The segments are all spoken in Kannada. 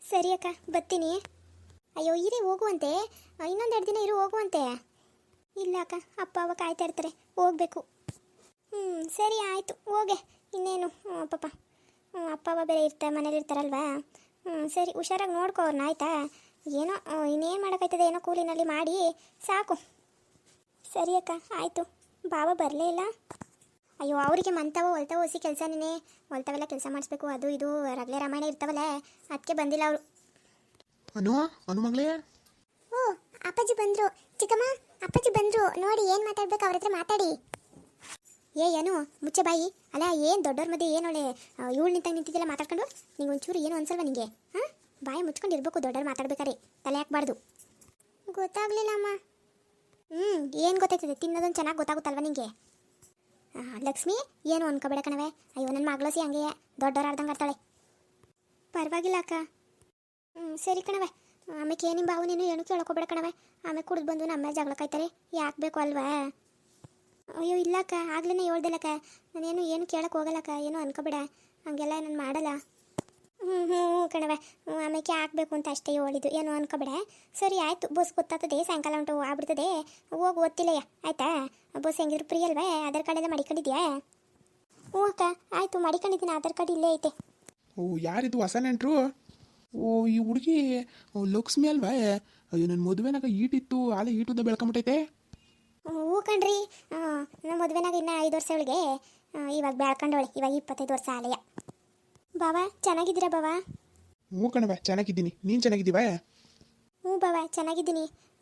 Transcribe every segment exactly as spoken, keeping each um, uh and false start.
ಸರಿ ಅಕ್ಕ ಬರ್ತೀನಿ. ಅಯ್ಯೋ ಇರೇ ಹೋಗುವಂತೆ, ಇನ್ನೊಂದೆರಡು ದಿನ ಇರು ಹೋಗುವಂತೆ. ಇಲ್ಲ ಅಕ್ಕ, ಅಪ್ಪ ಅವ ಕಾಯ್ತಾ ಇರ್ತಾರೆ, ಹೋಗ್ಬೇಕು. ಹ್ಞೂ ಸರಿ ಆಯಿತು ಹೋಗೆ, ಇನ್ನೇನು ಪಾಪ ಅಪ್ಪ ಅವ ಬೇರೆ ಇರ್ತಾರೆ ಮನೇಲಿ ಇರ್ತಾರಲ್ವಾ. ಹ್ಞೂ ಸರಿ ಹುಷಾರಾಗಿ ನೋಡ್ಕೋ ಅವ್ರನ್ನ ಆಯಿತಾ. ಏನೋ ಇನ್ನೇನು ಮಾಡೋಕ್ಕಾಯ್ತದೆ, ಏನೋ ಕೂಲಿನಲ್ಲಿ ಮಾಡಿ ಸಾಕು. ಸರಿ ಅಕ್ಕ ಆಯಿತು. ಬಾಬಾ ಬರಲೇ ಇಲ್ಲ. ಅಯ್ಯೋ ಅವರಿಗೆ ಮಂತವ ಹೊಲ್ತಾವ ಹೊಸಿ ಕೆಲಸನೇ, ಹೊಲ್ತಾವೆಲ್ಲ ಕೆಲಸ ಮಾಡಿಸ್ಬೇಕು, ಅದು ಇದು ರಗಲೆ ರಾಮಾಯಣ ಇರ್ತಾವಲ್ಲ, ಅದಕ್ಕೆ ಬಂದಿಲ್ಲ ಅವರು. ಅನು ಅನು ಮಗಳೇ. ಓ ಅಪ್ಪಾಜಿ ಬಂದರು. ಚಿಕ್ಕಮ್ಮ ಅಪ್ಪಾಜಿ ಬಂದರು ನೋಡಿ, ಏನು ಮಾತಾಡ್ಬೇಕು ಅವ್ರ ಹತ್ರ ಮಾತಾಡಿ. ಏ ಏನು ಮುಚ್ಚೆ ಬಾಯಿ. ಅಲ್ಲ ಏನು ದೊಡ್ಡವ್ರ ಮಧ್ಯೆ ಏನು ಒಳ್ಳೆ ಇವಳು ನಿಂತಾಗ ನಿಂತಿದ್ದೆಲ್ಲ ಮಾತಾಡ್ಕೊಂಡು, ನಿಂಗೆ ಒಂಚೂರು ಏನು ಅನ್ಸಲ್ವ ನಿಂಗೆ? ಹಾಂ ಬಾಯಿ ಮುಚ್ಕೊಂಡು ಇರಬೇಕು, ದೊಡ್ಡವ್ರು ಮಾತಾಡ್ಬೇಕಾರೆ ತಲೆ ಹಾಕ್ಬಾರ್ದು. ಗೊತ್ತಾಗ್ಲಿಲ್ಲ ಅಮ್ಮ. ಹ್ಞೂ ಏನು ಗೊತ್ತಾಯ್ತದೆ, ತಿನ್ನೋದೊಂದು ಚೆನ್ನಾಗಿ ಗೊತ್ತಾಗುತ್ತಲ್ವ ನಿಂಗೆ? ಲಕ್ಷ್ಮಿ ಏನು ಅನ್ಕೋಬೇಡ ಕಣವೆ. ಅಯ್ಯೋ ನನ್ನ ಮಗಳಸಿ ಹಂಗೆ ದೊಡ್ಡವ್ರು ಆಡ್ದಂಗೆ ಆಡ್ತಾಳೆ. ಪರವಾಗಿಲ್ಲ ಅಕ್ಕ. ಹ್ಞೂ ಸರಿ ಕಣವೆ. ಆಮೇಲೆ ಏನು ನಿಮ್ಮ ಬಾವು ನೀನು ಏನು ಕೇಳ್ಕೊಬೇಡ ಕಣವೆ. ಆಮೇಲೆ ಕುಡಿದು ಬಂದು ನಮ್ಮ ಮೇಲೆ ಜಗಳ ಕಾಯ್ತಾರೆ, ಯಾಕೆ ಬೇಕು ಅಲ್ವಾ? ಅಯ್ಯೋ ಇಲ್ಲಕ್ಕ, ಆಗ್ಲೇ ಹೇಳ್ದಿಲ್ಲಕ್ಕ, ನಾನೇನು ಏನು ಕೇಳಕ್ಕೆ ಹೋಗಲ್ಲಕ್ಕ, ಏನು ಅನ್ಕೋಬೇಡ, ಹಂಗೆಲ್ಲ ನಾನು ಮಾಡಲ್ಲ. ಹ್ಞೂ ಹ್ಞೂ ಕಣವೆ. ಹ್ಞೂ ಆಮೇಲೆ ಹಾಕ್ಬೇಕು ಅಂತ ಅಷ್ಟೇ ಹೇಳಿದ್ದು, ಏನು ಅನ್ಕೋಬೇಡ. ಸರಿ ಆಯಿತು, ಬಸ್ ಗೊತ್ತಾಗ್ತದೆ, ಸಾಯಂಕಾಲ ಉಂಟು ಆಗ್ಬಿಡ್ತದೆ, ಹೋಗಿ ಓದ್ತಿಲ್ಲಯ್ಯ ಆಯಿತಾ? ಬಸ್ ಹೆಂಗಿದ್ರು ಫ್ರೀ ಅಲ್ವೇ? ಆಧಾರ್ ಕಾರ್ಡ್ ಎಲ್ಲ ಮಡಿಕೊಂಡಿದ್ಯಾ? ಹ್ಞೂ ಅಕ್ಕ ಆಯಿತು ಮಡಿಕೊಂಡಿದ್ದೀನಿ, ಆಧಾರ್ ಕಾರ್ಡ್ ಇಲ್ಲೇ ಐತೆ. ಓ ಯಾರಿದು ಹೊಸ ನೆಂಟ್ರು? ಓ ಈ ಹುಡುಗಿ ಲಕ್ಷ್ಮಿ ಅಲ್ವಾ? ಅಯ್ಯೋ ನನ್ನ ಮದುವೆನಾಗ ಈಟಿತ್ತು, ಆಲೆ ಈಟುದ ಬೆಳ್ಕೊಂಬಿಟ್ಟೈತೆ. ಹ್ಞೂ ಕಣ್ರಿ, ನಮ್ಮ ಮದುವೆನಾಗ ಇನ್ನು ಐದು ವರ್ಷ ಅವಳಿಗೆ, ಇವಾಗ ಬೆಳ್ಕೊಂಡವಳೆ, ಇವಾಗ ಇಪ್ಪತ್ತೈದು ವರ್ಷ ಆಲೆಯ. ಬಾವಾ ಚೆನ್ನಾಗಿದ್ದೀರಾ ಬಾವಾ? ಹ್ಞೂ ಕಣವ ಚೆನ್ನಾಗಿದ್ದೀನಿ, ನೀನು ಚೆನ್ನಾಗಿದ್ದೀವ? ಹ್ಞೂ ಬಾವಾ ಚೆನ್ನಾಗಿದ್ದೀನಿ.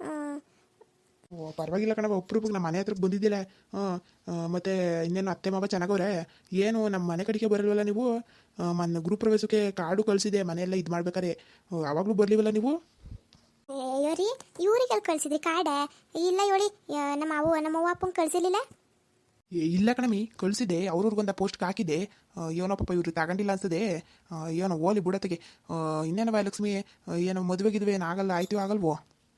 ಓ ಪರವಾಗಿಲ್ಲ ಕಣವ, ಒಬ್ರಿಗೆ ನಮ್ಮ ಮನೆ ಹತ್ರಕ್ಕೆ ಬಂದಿದ್ದಿಲ್ಲ. ಹಾಂ ಮತ್ತು ಇನ್ನೇನು ಅತ್ತೆ ಮಾವ ಚೆನ್ನಾಗವ್ರೆ? ಏನು ನಮ್ಮ ಮನೆ ಕಡೆಗೆ ಬರಲ್ವಲ್ಲ ನೀವು? ಮೊನ್ನೆ ಗೃಹ ಪ್ರವೇಶಕ್ಕೆ ಕಾರ್ಡು ಕಳಿಸಿದೆ, ಮನೆಯೆಲ್ಲ ಇದು ಮಾಡ್ಬೇಕಾರೆ, ಆವಾಗಲೂ ಬರಲಿವಲ್ಲ ನೀವು? ಅಯ್ಯೋ ರೀ ಇವ್ರಿಗೆ ಅಲ್ಲಿ ಕಳಿಸಿದ್ರಿ ಕಾರ್ಡ? ಇಲ್ಲ ಹೇಳಿ, ನಮ್ಮ ಅವು ನಮ್ಮ ಅವ್ವ ಅಪ್ಪಂಗೆ ಕಳಿಸಿರ್ಲಿಲ್ಲ. ಇಲ್ಲ ಕಣಮಿ ಕಳಿಸಿದೆ, ಅವ್ರವ್ರಿಗೊಂದು ಪೋಸ್ಟ್ಗೆ ಹಾಕಿದೆ. ಏನೋ ಪಾಪ ಇವ್ರು ತಗೊಂಡಿಲ್ಲ ಅನ್ಸದೆ, ಏನೋ ಓಲಿ ಬಿಡತ್ತಿಗೆ. ಇನ್ನೇನವ ಲಕ್ಷ್ಮಿ, ಏನೋ ಮದುವೆಗಿದ್ವಿ ಏನಾಗಲ್ಲ ಆಯ್ತು ಆಗಲ್ವೋ?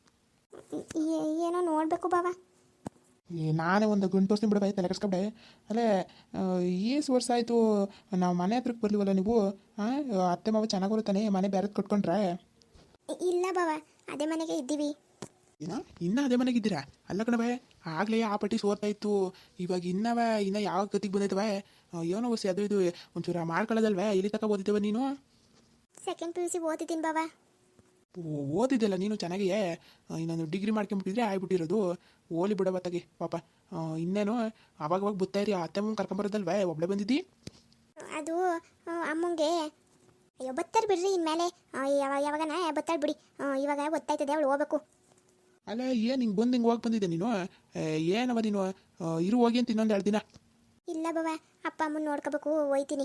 ಏನೋ ನೋಡಬೇಕು ಬಾವಾ. ನಾನೇ ಒಂದು ಗಂಟು ತೋರಿಸ್ತೀನಿ ಬಿಡಬಾಯ್, ತಲೆ ಕೆಡ್ಸ್ಕೊಂಡೆ. ಅಲ್ಲೇ ಏಸು ವರ್ಷ ಆಯಿತು ನಾವು ಮನೆ ಹತ್ರಕ್ಕೆ ಬರ್ಲಿವಲ್ಲ ನೀವು? ಹಾಂ ಅತ್ತೆ ಮಾವ ಚೆನ್ನಾಗಿ ತಾನೆ, ಮನೆ ಬೇರೆದು ಕಟ್ಕೊಂಡ್ರೆ? ಇಲ್ಲ ಬಾವಾ, ಅದೇ ಮನೆಗೆ ಇದ್ದೀವಿ. ಏನೋ ಇನ್ನೂ ಅದೇ ಮನೆಗಿದ್ದೀರಾ? ಅಲ್ಲ ಕಣವೆ, ಆಗಲೇ ಆ ಪಟ್ಟಿ ಸೋರ್ತಾ ಇತ್ತು, ಇವಾಗ ಇನ್ನವ ಇನ್ನು ಯಾವ ಗತಿಗೆ ಬಂದೈತವ? ಏನೋ ಹೊಸಿ ಅದು ಇದು ಒಂಚೂರು ಮಾಡ್ಕೊಳ್ಳೋದಲ್ವೇ? ಇಲ್ಲಿ ತಕ ಓದಿದ್ದೇವ ನೀನು? ಸೆಕೆಂಡ್ ಪಿ ಯು ಸಿ ಓದಿದ್ದೀನಿ ಬಾವಾ. ಓದಿದ್ದೆಲ್ಲ ನೀನು ಚೆನ್ನಾಗಿಯೇ, ಇನ್ನೊಂದು ಡಿಗ್ರಿ ಮಾಡ್ಕೊಂಬಿಟ್ಟಿದ್ರೆ ಆಗ್ಬಿಟ್ಟಿರೋದು. ಓಲಿ ಬಿಡವ ತಗಿ ಪಾಪ. ಇನ್ನೇನು ಅವಾಗವಾಗ ಬತ್ತಾಯಿರಿ, ಅತ್ತೆ ಅಮ್ಮ ಕರ್ಕೊಂಬರೋದಲ್ವೇ? ಒಬ್ಬಳೆ ಬಂದಿದ್ದಿ? ಅದು ಅಮ್ಮಂಗೆ ಅಯ್ಯೋ ಬತ್ತಾರ ಬಿಡ್ರಿ, ಇನ್ಮೇಲೆ ಯಾವಾಗ ಯಾವಾಗನ ಬತ್ತಾಳ ಬಿಡಿ, ಇವಾಗ ಗೊತ್ತಾಯ್ತದೆ ಅವಳು ಹೋಗ್ಬೇಕು. ಅಲ್ಲ ಏನು ಹಿಂಗೆ ಬಂದು ಹಿಂಗೆ ಹೋಗಿ ಬಂದಿದ್ದೆ ನೀನು? ಏನವ ನೀನು ಇರು ಹೋಗಿ ಅಂತ ಇನ್ನೊಂದು ಎರಡು ದಿನ? ಇಲ್ಲ ಬಾವ, ಅಪ್ಪ ಅಮ್ಮನ ನೋಡ್ಕೋಬೇಕು, ಹೋಯ್ತೀನಿ.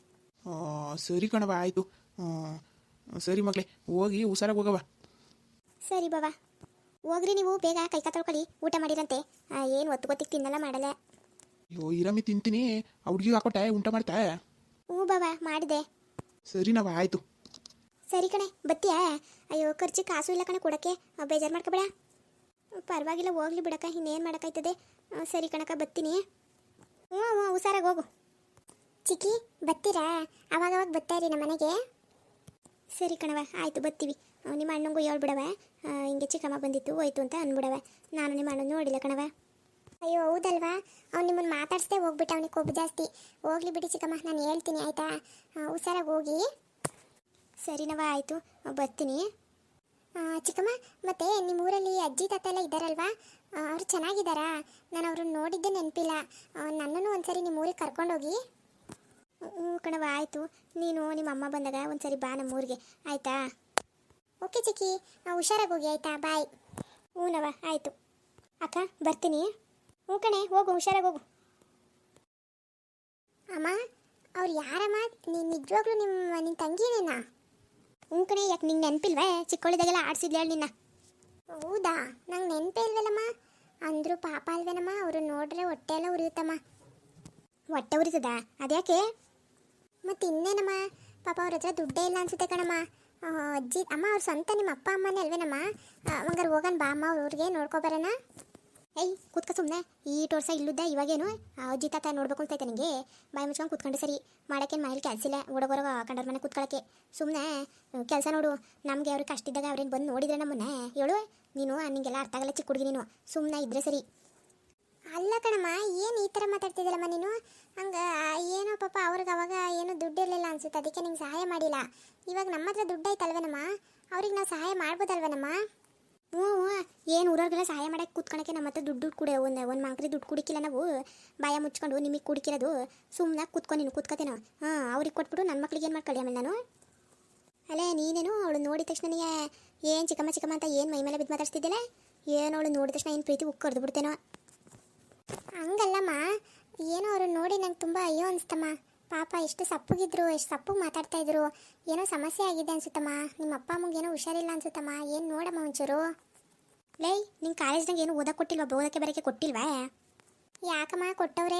ಸರಿ ಕಣವ ಆಯಿತು. ಸರಿ ಮಗಳೇ, ಹೋಗಿ ಹುಷಾರಾಗಿ ಹೋಗವ. ಸರಿ ಬಾವ, ಹೋಗ್ರಿ ನೀವು ಬೇಗ, ಕೈ ಕಾ ತೊಳ್ಕೊಳ್ಳಿ, ಊಟ ಮಾಡಿರಂತೆ. ಏನು ಒತ್ತು ಗೊತ್ತಿಗೆ ತಿನ್ನಲ್ಲ ಮಾಡಲ್ಲ. ಅಯ್ಯೋ ಇರಮ್ಮಿ ತಿಂತೀನಿ, ಆ ಹುಡುಗಿಗೆ ಹಾಕೊಟ್ಟೆ ಊಟ ಮಾಡ್ತಾ? ಹ್ಞೂ ಬಾವ ಮಾಡಿದೆ. ಸರಿ ನಾವ ಆಯಿತು. ಸರಿ ಕಣೆ ಬತ್ತೀಯಾ? ಅಯ್ಯೋ ಖರ್ಚು ಕಾಸು ಇಲ್ಲ ಕಣೆ ಕೊಡೋಕ್ಕೆ, ಬೇಜಾರು ಮಾಡ್ಕೊಬೇಡ. ಪರವಾಗಿಲ್ಲ ಹೋಗ್ಲಿ ಬಿಡಕ್ಕ, ಇನ್ನೇನು ಮಾಡೋಕ್ಕಾಯ್ತದೆ. ಸರಿ ಕಣಕ್ಕ ಬರ್ತೀನಿ. ಹ್ಞೂ ಹ್ಞೂ ಹುಷಾರಾಗಿ ಹೋಗು. ಚಿಕ್ಕಿ ಬತ್ತೀರಾ? ಅವಾಗವಾಗ ಬರ್ತಾಯಿರಿ ನಮ್ಮ ಮನೆಗೆ. ಸರಿ ಕಣವ ಆಯಿತು ಬರ್ತೀವಿ. ನಿಮ್ಮ ಅಣ್ಣಂಗೂ ಹೇಳ್ಬಿಡವ, ಹಿಂಗೆ ಚಿಕ್ಕಮ್ಮ ಬಂದಿತ್ತು ಹೋಯ್ತು ಅಂತ ಅಂದ್ಬಿಡವ. ನಾನು ನಿಮ್ಮ ಅಣ್ಣ ನೋಡಿಲ್ಲ ಕಣವ. ಅಯ್ಯೋ ಹೌದಲ್ವಾ, ಅವ್ನು ನಿಮ್ಮನ್ನು ಮಾತಾಡಿಸ್ದೆ ಹೋಗ್ಬಿಟ್ಟು, ಅವನಿಗೆ ಕೊಬ್ಬು ಜಾಸ್ತಿ. ಹೋಗ್ಲಿ ಬಿಡಿ ಚಿಕ್ಕಮ್ಮ, ನಾನು ಹೇಳ್ತೀನಿ ಆಯಿತಾ? ಹುಷಾರಾಗಿ ಹೋಗಿ. ಸರಿನವ ಆಯಿತು ಬರ್ತೀನಿ. ಚಿಕ್ಕಮ್ಮ ಮತ್ತು ನಿಮ್ಮ ಊರಲ್ಲಿ ಅಜ್ಜಿ ತಾತ ಎಲ್ಲ ಇದ್ದಾರಲ್ವಾ? ಅವರು ಚೆನ್ನಾಗಿದ್ದಾರಾ? ನಾನು ಅವ್ರನ್ನ ನೋಡಿದ್ದೆ ನೆನಪಿಲ್ಲ. ನನ್ನನ್ನು ಒಂದ್ಸರಿ ನಿಮ್ಮ ಊರಿಗೆ ಕರ್ಕೊಂಡೋಗಿ. ಹ್ಞೂ ಕಣವ ಆಯಿತು, ನೀನು ನಿಮ್ಮ ಅಮ್ಮ ಬಂದಾಗ ಒಂದ್ಸರಿ ಬಾ ನಮ್ಮ ಊರಿಗೆ ಆಯಿತಾ? ಓಕೆ ಚಿಕ್ಕಿ, ಹುಷಾರಾಗಿ ಹೋಗಿ ಆಯಿತಾ? ಬಾಯ್. ಹ್ಞೂನವ ಆಯಿತು. ಅಕ್ಕ ಬರ್ತೀನಿ. ಹ್ಞೂ ಕಣೆ ಹೋಗು, ಹುಷಾರಾಗಿ ಹೋಗು. ಅಮ್ಮ ಅವ್ರು ಯಾರಮ್ಮ? ನೀನು ನಿಜವಾಗ್ಲೂ ನಿಮ್ಮ ನಿನ್ನ ತಂಗಿನೇನಾ? ಹ್ಞೂ ಕಣೆ, ಯಾಕೆ ನಿಂಗೆ ನೆನಪಿಲ್ವೇ? ಚಿಕ್ಕವಳಿದಾಗೆಲ್ಲ ಆಡಿಸಿದ್ಲು ಹೇಳಿ ನಿನ್ನ. ಹೌದಾ, ನಂಗೆ ನೆನಪೇ ಇಲ್ವಲ್ಲಮ್ಮ. ಅಂದರೂ ಪಾಪ ಅಲ್ವೇನಮ್ಮ, ಅವರು ನೋಡ್ರೆ ಹೊಟ್ಟೆ ಎಲ್ಲ ಉರಿಯುತ್ತಮ್ಮ. ಹೊಟ್ಟೆ ಉರಿತದ? ಅದ್ಯಾಕೆ? ಮತ್ತು ಇನ್ನೇನಮ್ಮ, ಪಾಪ ಅವ್ರ ಹತ್ರ ದುಡ್ಡೇ ಇಲ್ಲ ಅನ್ಸುತ್ತೆ ಕಣಮ್ಮ. ಅಜ್ಜಿ ಅಮ್ಮ ಅವ್ರ ಸ್ವಂತ ನಿಮ್ಮ ಅಪ್ಪ ಅಮ್ಮನೇ ಅಲ್ವೇನಮ್ಮ? ಹಂಗಾರೆ ಹೋಗೋಣ ಬಾ ಅಮ್ಮ, ಅವ್ರ ಊರಿಗೆ ನೋಡ್ಕೊಬರೋಣ. ಏಯ್ ಕೂತ್ಕ ಸುಮ್ಮನೆ ಈ ವರ್ಷ ಇಲ್ಲುದ್ದ ಇವಾಗೇನು ಆ ಅಜ್ಜಿ ತಾತ ನೋಡ್ಬೇಕು ಅಂತೈತೆ ನಿನಗೆ ಬಾಯಿ ಮುಚ್ಕೊಂಡು ಕೂತ್ಕೊಂಡು ಸರಿ ಮಾಡೋಕ್ಕೇನು ಮನೇಲಿ ಕೆಲಸ ಇಲ್ಲ ಹುಡುಗರ ಕಂಡರ ಮನೆ ಕೂತ್ಕೊಳ್ಳೋಕ್ಕೆ ಸುಮ್ಮನೆ ಕೆಲಸ ನೋಡು ನಮಗೆ ಅವ್ರಿಗೆ ಕಷ್ಟ ಇದ್ದಾಗ ಅವ್ರೇನು ಬಂದು ನೋಡಿದ್ರೆ ನಮ್ಮನ್ನೇ ಹೇಳು ನೀನು ನಿಂಗೆಲ್ಲ ಅರ್ಥ ಆಗಲ್ಲ ಚಿಕ್ಕ ಹುಡುಗಿ ನೀನು ಸುಮ್ಮನೆ ಇದ್ರೆ ಸರಿ. ಅಲ್ಲ ಕಣಮ್ಮ ಏನು ಈ ಥರ ಮಾತಾಡ್ತಿದ್ದಲ್ಲಮ್ಮ ನೀನು ಹಂಗೆ ಏನೋ ಪಾಪ ಅವ್ರಿಗೆ ಅವಾಗ ಏನೋ ದುಡ್ಡು ಇರಲಿಲ್ಲ ಅನ್ಸುತ್ತೆ ಅದಕ್ಕೆ ನಿಂಗೆ ಸಹಾಯ ಮಾಡಿಲ್ಲ. ಇವಾಗ ನಮ್ಮ ಹತ್ರ ದುಡ್ಡು ಐತಲ್ವೇನಮ್ಮ ಅವ್ರಿಗೆ ನಾವು ಸಹಾಯ ಮಾಡ್ಬೋದಲ್ವೇನಮ್ಮ? ಹ್ಞೂ ಹ್ಞೂ ಏನು ಊರವ್ರಿಗೆಲ್ಲ ಸಹಾಯ ಮಾಡಕ್ಕೆ ಕೂತ್ಕೊಳಕ್ಕೆ ನಮ್ಮ ಹತ್ರ ದುಡ್ಡು ದುಡ್ಡು ಕುಡಿ ಒಂದು ಒಂದು ಮಂಕ್ರಿ ದುಡ್ಡು ಕುಡಿಕಿಲ್ಲ ನಾವು ಬಾಯ ಮುಚ್ಕೊಂಡು ನಿಮಗೆ ಕುಡಿಕಿರೋದು ಸುಮ್ಮನೆ ಕೂತ್ಕೊಂಡು ನೀನು ಕೂತ್ಕೋತೇನೋ ಹಾಂ ಅವ್ರಿಗೆ ಕೊಟ್ಬಿಟ್ಟು ನನ್ನ ಮಕ್ಳಿಗೆ ಏನು ಮಾಡ್ಕೊಳ್ಳಿ ಆಮೇಲೆ ನಾನು ಅಲ್ಲೇ ನೀನೇನು ಅವಳು ನೋಡಿದ ತಕ್ಷಣ ನನಗೆ ಏನು ಚಿಕ್ಕಮ್ಮ ಚಿಕ್ಕಮ್ಮ ಅಂತ ಏನು ಮೈ ಮೇಲೆ ಬಿದ್ದು ಮಾತಾಡ್ತಿದ್ದಿಲ್ಲ ಏನು ಅವಳು ನೋಡಿದ ತಕ್ಷಣ ಏನು ಪ್ರೀತಿ ಉಕ್ಕಿ ಕರೆದು ಬಿಡ್ತೇನೋ ಹಂಗಲ್ಲಮ್ಮ ಏನೋ ಅವರು ನೋಡಿ ನಂಗೆ ತುಂಬ ಅಯ್ಯೋ ಅನಿಸ್ತಮ್ಮ ಪಾಪ ಎಷ್ಟು ಸಪ್ಪಗಿದ್ರು ಎಷ್ಟು ಸಪ್ಪಗೆ ಮಾತಾಡ್ತಾ ಇದ್ರು ಏನೋ ಸಮಸ್ಯೆ ಆಗಿದೆ ಅನ್ಸುತ್ತಮ್ಮ ನಿಮ್ಮ ಅಪ್ಪ ಅಮ್ಮಗೆ ಏನೋ ಹುಷಾರಿಲ್ಲ ಅನ್ಸುತ್ತಮ್ಮ ಏನು ನೋಡಮ್ಮ ಒಂಚೂರು. ಲೈ ನಿಂಗೆ ಕಾಲೇಜ್ನಾಗ ಏನು ಓದಕ್ಕೆ ಕೊಟ್ಟಿಲ್ವಾ ಓದಕ್ಕೆ ಬರೋಕ್ಕೆ ಕೊಟ್ಟಿಲ್ವಾ? ಯಾಕಮ್ಮ ಕೊಟ್ಟವ್ರೆ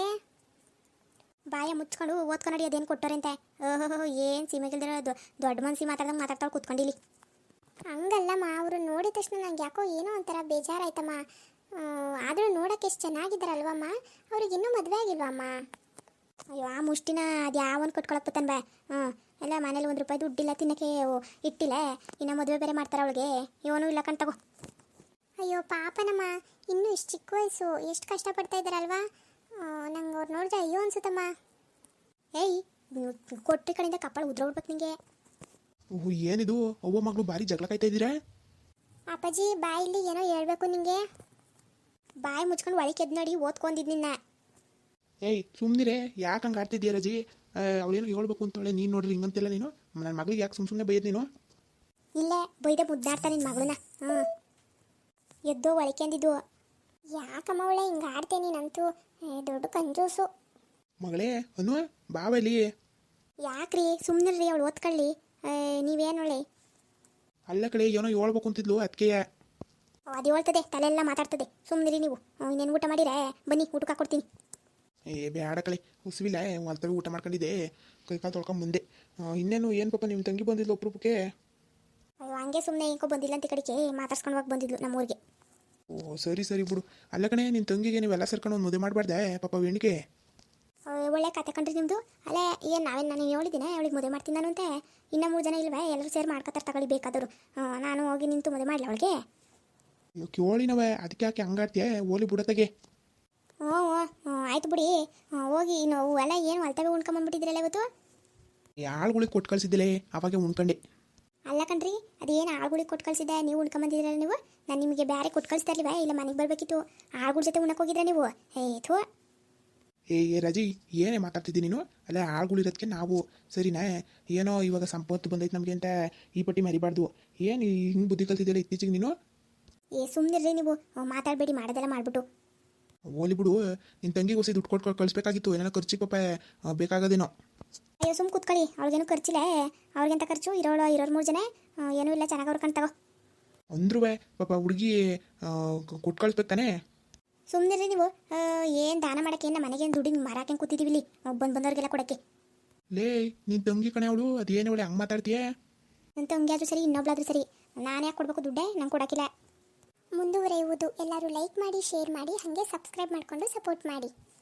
ಬಾಯ ಮುಚ್ಕೊಂಡು ಓದ್ಕೊಂಡು ಅದೇನು ಕೊಟ್ಟವ್ರೆ ಅಂತೆ ಓಹೋ ಏನು ಸೀಮೆಗಿಲ್ದಿರೋ ದೊಡ್ಡ ಮನ್ಸಿ ಮಾತಾಡ್ದಂಗೆ ಮಾತಾಡ್ತಾಳೆ ಕೂತ್ಕೊಂಡಿಲಿ. ಹಂಗಲ್ಲಮ್ಮ ಅವರು ನೋಡಿದ ತಕ್ಷಣ ನಂಗೆ ಯಾಕೋ ಏನೋ ಒಂಥರ ಬೇಜಾರಾಯ್ತಮ್ಮ. ಆದರೂ ನೋಡೋಕೆ ಎಷ್ಟು ಚೆನ್ನಾಗಿದ್ದಾರಲ್ವಮ್ಮ ಅವ್ರಿಗೆ ಇನ್ನೂ ಮದುವೆ ಆಗಿಲ್ವಮ್ಮ? ಅಯ್ಯೋ ಆ ಮುಷ್ಟಿನ ಅದು ಯಾವನ್ ಕೊಟ್ಕೊಳಕ್ಕೆ ಬತ್ತಾನ ಬಾ ಹ್ಞೂ ಎಲ್ಲ ಮನೇಲಿ ಒಂದು ರೂಪಾಯಿ ದುಡ್ಡಿಲ್ಲ ತಿನ್ನೋಕ್ಕೆ ಇಟ್ಟಿಲ್ಲ ಇನ್ನು ಮದುವೆ ಬೇರೆ ಮಾಡ್ತಾರೆ ಅವಳಿಗೆ ಇವನು ಇಲ್ಲ ಕಣ್ ತಗೋ. ಅಯ್ಯೋ ಪಾಪನಮ್ಮ ಇನ್ನೂ ಇಷ್ಟು ಚಿಕ್ಕ ವಯಸ್ಸು ಎಷ್ಟು ಕಷ್ಟಪಡ್ತಾ ಇದ್ದಾರಲ್ವಾ ನಂಗೆ ಅವ್ರು ನೋಡಿದ್ರೆ ಅಯ್ಯೋ ಅನ್ಸುತ್ತಮ್ಮ. ಏಯ್ ಕೊಟ್ಟಿ ಕಡೆಯಿಂದ ಕಪ್ಪಳ ಉದ್ರೋಗ್ಬಿಡ್ಬೇಕು ನಿಂಗೆ. ಓಹ್ ಏನಿದು ಅವ್ವ ಮಗಳು ಭಾರಿ ಜಗಳ ಕಾಯ್ತಾ ಇದ್ದೀರಾ? ಅಪ್ಪಾಜಿ ಬಾಯಲ್ಲಿ ಏನೋ ಹೇಳ್ಬೇಕು ನಿಂಗೆ ಬಾಯಿ ಮುಚ್ಕೊಂಡು ಒಳಗೆ ಎದ್ದು ನೋಡಿ ಓದ್ಕೊಂಡಿದ್ದು ನಿನ್ನ. ಏಯ್ ಸುಮ್ಮನಿರೇ ಯಾಕೆ ಹಂಗೆ ಆಡ್ತಿದ್ದೀಯ ರಜಿ ಅವಳೇನು ಹೇಳ್ಬೇಕು ಅಂತೇಳಿ ನೀನು ನೋಡ್ರಿ ಹಿಂಗಂತಿಲ್ಲ ನೀನು ನನ್ನ ಮಗಳಿಗೆ ಯಾಕೆ ಸುಮ್ಮ ಸುಮ್ಮನೆ ಬೈದ್ ನೀನು? ಇಲ್ಲೇ ಬೈದೆ ಮುದ್ದಾಡ್ತಾ ನಿನ್ನ ಮಗಳನ್ನ ಹ್ಞೂ ಎದ್ದೋ ಒಳಕೆಂದಿದ್ದು ಯಾಕಮ್ಮ ಅವಳೆ ಹಿಂಗೆ ಆಡ್ತೇನೆ ನೀನಂತೂ ದೊಡ್ಡ ಕಂಜೂಸು ಮಗಳೇ ಅನು ಬಾವಲಿ. ಯಾಕ್ರಿ ಸುಮ್ಮನಿರ್ರಿ ಅವಳು ಓದ್ಕೊಳ್ಳಿ ನೀವೇನು ಒಳ್ಳೆ ಅಲ್ಲ ಕಡೆ ಏನೋ ಹೇಳ್ಬೇಕು ಅಂತಿದ್ಲು ಅದಕ್ಕೆ ಅದು ಹೇಳ್ತದೆ ತಲೆಯೆಲ್ಲ ಮಾತಾಡ್ತದೆ ಸುಮ್ಮನಿರಿ ನೀವು. ಇನ್ನೇನು ಊಟ ಮಾಡಿರೇ ಬನ್ನಿ ಊಟಕ್ಕೆ ಹಾಕ್ಕೊಡ್ತೀನಿ. ಏ ಬೇಡ ಕಳೆ ಹುಸಿವಿಲ್ಲ ಒಂದ್ತವೆ ಊಟ ಮಾಡ್ಕೊಂಡಿದ್ದೆ ಕೈ ಕಾಲು ತೊಳ್ಕೊಂಡು ಮುಂದೆ ಇನ್ನೇನು ಏನು ಪಾಪ ನಿಮ್ಮ ತಂಗಿ ಬಂದಿದ್ಲು ಒಬ್ರೂಪಕ್ಕೆ? ಅಯ್ಯೋ ಹಂಗೆ ಸುಮ್ಮನೆ ಏನಕ್ಕೋ ಬಂದಿಲ್ಲ ಅಂತ ಕಡೆಗೆ ಮಾತಾಡ್ಸ್ಕೊಂಡು ಹೋಗಿ ಬಂದಿದ್ಲು ನಮ್ಮೂರಿಗೆ. ಓ ಸರಿ ಸರಿ ಬಿಡು. ಅಲ್ಲ ಕಣೆ ನಿನ್ನ ತಂಗಿಗೆ ನೀವೆಲ್ಲ ಸೇರ್ಕೊಂಡು ಒಂದು ಮದುವೆ ಮಾಡಬಾರ್ದೆ ಪಾಪ ವೆಣಿಕೆ? ಒಳ್ಳೆ ಕತೆ ಕಂಡ್ರಿ ನಿಮ್ಮದು. ಅಲ್ಲೇ ಏನು ನಾವೇನು ನಾನು ಹೇಳಿದ್ದೀನಿ ಅವಳಿಗೆ ಮದುವೆ ಮಾಡ್ತೀನಿ ನಾನು ಅಂತೆ ಇನ್ನೂ ಮೂರು ಜನ ಇಲ್ವೇ ಎಲ್ಲರೂ ಸೇರಿ ಮಾಡ್ಕೊತಾರೆ ತಗೊಳ್ಳಿ ಬೇಕಾದರು ನಾನು ಹೋಗಿ ನಿಂತು ಮದುವೆ ಮಾಡಲಿ ಅವಳಿಗೆ? ಕೇಳಿನವೆ ಅದಕ್ಕೆ ಯಾಕೆ ಹಂಗಾಡ್ತೀಯ ಓಲಿ ಬಿಡತ್ತಾಗೆ. ಹ್ಞೂ ಹ್ಞೂ ಆಯ್ತು ಬಿಡಿ ಹೋಗಿ ನಾವು ಎಲ್ಲ ಏನು ಹೊಲ್ತವೆ ಉಣ್ಕೊಂಬಂದ್ಬಿಟ್ಟಿದ್ರಲ್ಲ ಇವತ್ತು. ಆಳುಗಳಿಗೆ ಕೊಟ್ಟು ಕಳಿಸಿದ್ದಿಲ್ಲೇ ಅವಾಗೆ ಉಣ್ಕೊಂಡೆ. ಅಲ್ಲ ಕಣ್ರಿ ಅದೇನು ಆಳುಗಳಿಗೆ ಕೊಟ್ಟು ಕಳಿಸಿದ್ದೆ ನೀವು ಉಣ್ಕೊಂಬಂದಿದ್ರಲ್ಲ ನೀವು ನಾನು ನಿಮಗೆ ಬೇರೆ ಕೊಟ್ಟು ಕಳಿಸ್ತಾ ಇರ್ಲಿವಾ ಇಲ್ಲ ಮನೆಗೆ ಬರಬೇಕಿತ್ತು ಆಳುಗಳ ಜೊತೆ ಉಣ್ಣಕ್ಕೆ ಹೋಗಿದ್ರೆ ನೀವು ಹೇ ಥೋ. ಏ ರಜಿ ಏನೇ ಮಾತಾಡ್ತಿದ್ದೀನಿ ನೀನು? ಅಲ್ಲ ಆಳುಗಳಿರೋದಕ್ಕೆ ನಾವು ಸರಿನಾ ಏನೋ ಇವಾಗ ಸಂಪತ್ತು ಬಂದೈತೆ ನಮಗೆ ಅಂತ ಈ ಪಟ್ಟಿ ಮರಿಬಾರ್ದು. ಏನು ಹಿಂಗೆ ಬುದ್ಧಿ ಕಲ್ತಿದ್ದಿಲ್ಲ ಇತ್ತೀಚೆಗೆ ನೀನು? ಏ ಸುಮ್ಮನಿರ್ರಿ ನೀವು ಮಾತಾಡಬೇಡಿ ಮಾಡೋದೆಲ್ಲ ಮಾಡಿಬಿಟ್ಟು. ಓಲಿ ಬಿಡು ನಿನ್ನ ತಂಗಿಗೆ ಹೊಸ ದುಡ್ಡು ಕೊಟ್ಟು ಕಳಿಸ್ಬೇಕಾಗಿತ್ತು ಏನಾರ ಖರ್ಚಿಗೆ ಪಾಪ ಬೇಕಾಗೋದೇನೋ. ಅಯ್ಯೋ ಸುಮ್ಮ ಕೂತ್ಕೊಳ್ಳಿ ಅವ್ರಿಗೇನು ಖರ್ಚಿಲ್ಲ ಅವ್ರಿಗೆಂತ ಖರ್ಚು ಇರೋಳು ಇರೋರು ಮೂರು ಜನ ಏನೂ ಇಲ್ಲ ಚೆನ್ನಾಗಿ ಅವ್ರು ಕಣ್ತಗೋ ಅಂದ್ರೂ ಪಾಪ ಹುಡುಗಿ ಕೊಟ್ಟು ಕಳಿಸ್ಬೇಕು ತಾನೆ. ಸುಮ್ಮನಿರಿ ನೀವು ಏನು ದಾನ ಮಾಡೋಕ್ಕೆ ಏನು ಮನೆಗೇನು ದುಡ್ಡಿನ ಮಾರಾಕೆ ಕೂತಿದ್ದೀವಿ ಇಲ್ಲಿ ಬಂದು ಬಂದವ್ರಿಗೆಲ್ಲ ಕೊಡೋಕ್ಕೆ. ಲೇ ನಿನ್ನ ತಂಗಿ ಕಣೆ ಅವಳು ಅದೇನು ಅವಳೆ ಹಂಗೆ ಮಾತಾಡ್ತೀಯ? ನನ್ನ ತಂಗಿ ಆದರೂ ಸರಿ ಇನ್ನೊಬ್ಳಾದ್ರೂ ಸರಿ ನಾನು ಯಾಕೆ ಕೊಡಬೇಕು ದುಡ್ಡೇ ನಂಗೆ ಕೊಡೋಕ್ಕಿಲ್ಲ. ಮುಂದುವರೆಯುವುದು ಎಲ್ಲರೂ ಲೈಕ್ ಮಾಡಿ ಶೇರ್ ಮಾಡಿ ಹಾಗೆ ಸಬ್ಸ್ಕ್ರೈಬ್ ಮಾಡಿಕೊಂಡು ಸಪೋರ್ಟ್ ಮಾಡಿ.